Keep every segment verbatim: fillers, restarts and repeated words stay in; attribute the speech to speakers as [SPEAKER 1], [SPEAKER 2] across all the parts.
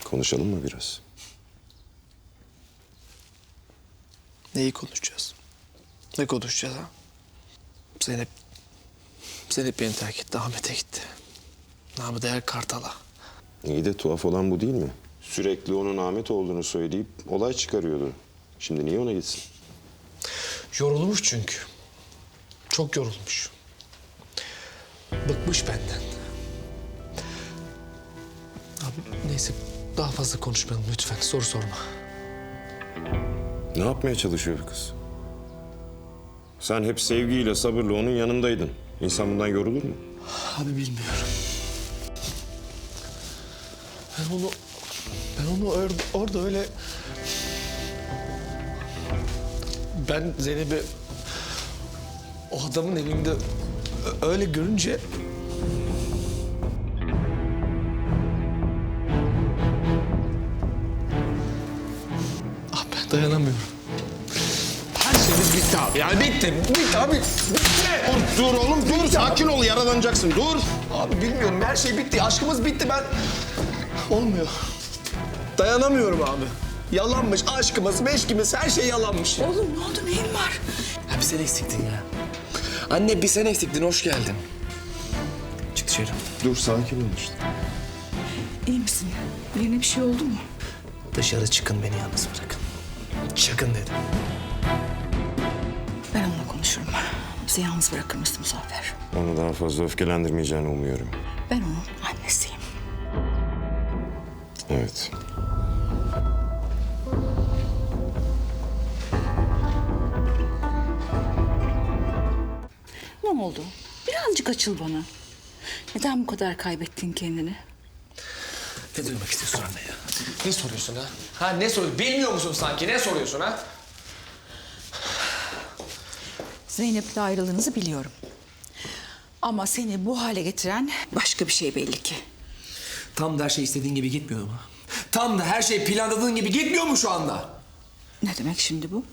[SPEAKER 1] Konuşalım mı biraz?
[SPEAKER 2] Neyi konuşacağız? Ne konuşacağız ha? Zeynep... Zeynep beni terk etti, Ahmet'e gitti. Namı değer Kartal'a.
[SPEAKER 1] İyi de tuhaf olan bu değil mi? Sürekli onun Ahmet olduğunu söyleyip olay çıkarıyordu. Şimdi niye ona gitsin?
[SPEAKER 2] Yorulmuş çünkü. Çok yorulmuş. Bıkmış benden. Abi neyse daha fazla konuşmayalım lütfen. Soru sorma.
[SPEAKER 1] Ne yapmaya çalışıyor bu kız? Sen hep sevgiyle, sabırla onun yanındaydın. İnsan bundan yorulur mu?
[SPEAKER 2] Abi bilmiyorum. Ben onu... Ben onu or- orada öyle... Ben Zeynep'i... O adamın elinde ö- öyle görünce... Ah ben dayanamıyorum. Her şeyimiz bitti abi. Yani bitti. Bitti abi. Bitti.
[SPEAKER 1] Dur, dur oğlum dur. Sakin ol, yaralanacaksın. Dur.
[SPEAKER 2] Abi bilmiyorum. Her şey bitti. Aşkımız bitti. Ben... Olmuyor. Dayanamıyorum abi. Yalanmış. Aşkımız, meşkimiz her şey yalanmış.
[SPEAKER 3] Oğlum ne oldu, neyin var?
[SPEAKER 2] Ya bir sen eksiktin ya. Anne bir sen eksiktin. Hoş geldin. Çık dışarı.
[SPEAKER 1] Dur, sakin ol işte.
[SPEAKER 3] İyi misin? Birine bir şey oldu mu?
[SPEAKER 2] Dışarı çıkın, beni yalnız bırakın. Çıkın dedim.
[SPEAKER 3] Ben onunla konuşurum. Bizi yalnız bırakır mısın Muzaffer?
[SPEAKER 1] Onu daha fazla öfkelendirmeyeceğini umuyorum.
[SPEAKER 3] Ben onun annesiyim.
[SPEAKER 1] Evet.
[SPEAKER 3] Ne oldu? Birazcık açıl bana. Neden bu kadar kaybettin kendini?
[SPEAKER 2] Ne duymak istiyorsun anne ya? Ne soruyorsun ha? Ha ne soruyorsun? Bilmiyor musun sanki? Ne soruyorsun ha?
[SPEAKER 3] Zeynep'le ayrılığınızı biliyorum. Ama seni bu hale getiren başka bir şey belli ki.
[SPEAKER 2] Tam da her şey istediğin gibi gitmiyor mu? Tam da her şey planladığın gibi gitmiyor mu şu anda?
[SPEAKER 3] Ne demek şimdi bu?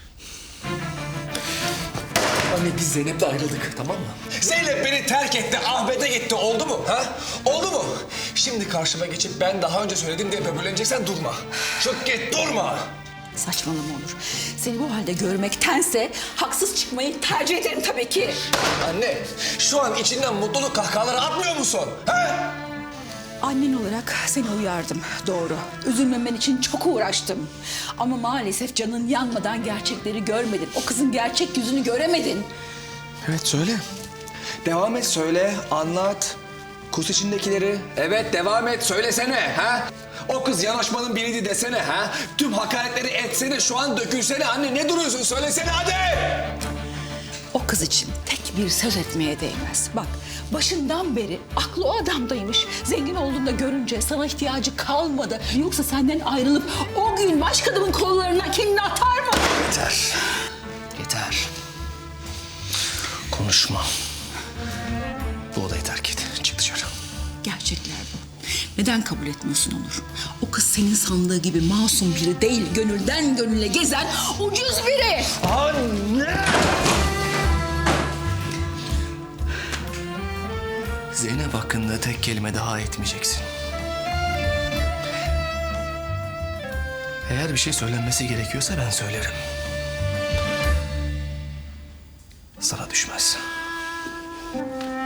[SPEAKER 2] Anne biz Zeynep'le ayrıldık, tamam mı? Zeynep beni terk etti, Ahmet'e gitti. Oldu mu? Ha? Oldu mu? Şimdi karşıma geçip ben daha önce söyledim diye böbürleneceksen durma. Çık git, durma.
[SPEAKER 3] Saçmalama Onur. Seni bu halde görmektense haksız çıkmayı tercih ederim tabii ki.
[SPEAKER 2] Anne, şu an içinden mutluluk kahkahaları atmıyor musun? Ha?
[SPEAKER 3] Annen olarak seni uyardım, doğru. Üzülmemen için çok uğraştım. Ama maalesef canın yanmadan gerçekleri görmedin. O kızın gerçek yüzünü göremedin.
[SPEAKER 2] Evet, söyle. Devam et, söyle, anlat. Kus içindekileri. Evet, devam et, söylesene. Ha? O kız yanaşmanın biriydi desene. Ha? Tüm hakaretleri etsene, şu an dökülsene. Anne ne duruyorsun? Söylesene hadi.
[SPEAKER 3] O kız için tek bir söz etmeye değmez. Bak, başından beri aklı o adamdaymış. Zengin olduğunda görünce sana ihtiyacı kalmadı. Yoksa senden ayrılıp o gün başka adamın kollarına kendini atar mı?
[SPEAKER 2] Yeter. Yeter. Konuşma. Bu odayı terk et. Çık dışarı.
[SPEAKER 3] Gerçekler bu. Neden kabul etmiyorsun Onur? O kız senin sandığı gibi masum biri değil, gönülden gönüle gezen ucuz biri.
[SPEAKER 2] Anne! Zeynep hakkında tek kelime daha etmeyeceksin. Eğer bir şey söylenmesi gerekiyorsa ben söylerim. Sana düşmez.